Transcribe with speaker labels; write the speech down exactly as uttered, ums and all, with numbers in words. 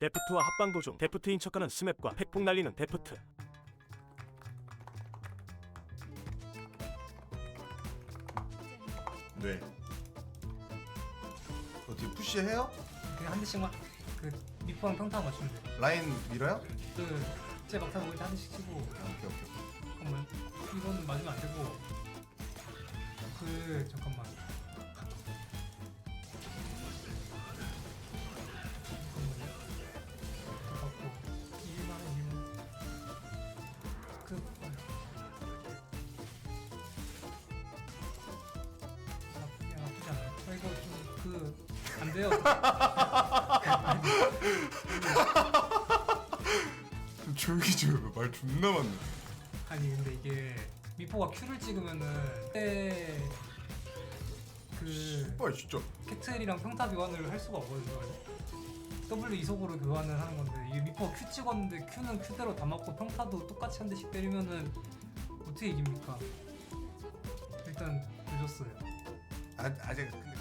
Speaker 1: 데프트와 합방 도중 데프트인 척하는 스맵과 팩폭 날리는 데프트.
Speaker 2: 네. 어떻게 푸시해요?
Speaker 3: 그냥 한 대씩만 그 미포랑 평타 맞추면 돼.
Speaker 2: 라인 밀어요?
Speaker 3: 그제 막타 모일 때 한 대씩 치고.
Speaker 2: 오케이 오케이.
Speaker 3: 잠깐만 이거는 맞으면 안 되고. 그 잠깐만. 잠깐만요. 갖고 일만 원 일만. 그 나쁘지 나쁘지 않아요. 아, 이거 좀 그 안 돼요.
Speaker 2: 좀 조용히 좀 말 존나 많네.
Speaker 3: 아니 근데 이게 미포가 Q를 찍으면은 그때 그
Speaker 2: 빨리 진짜.
Speaker 3: 캐틀이랑 평타 교환을 할 수가 없거든요. W 이속으로 교환을 하는 건데 이게 미포가 Q 찍었는데 Q는 Q대로 다 맞고 평타도 똑같이 한 대씩 때리면은 어떻게 이깁니까? 일단 늦었어요.
Speaker 2: 아 아직 근데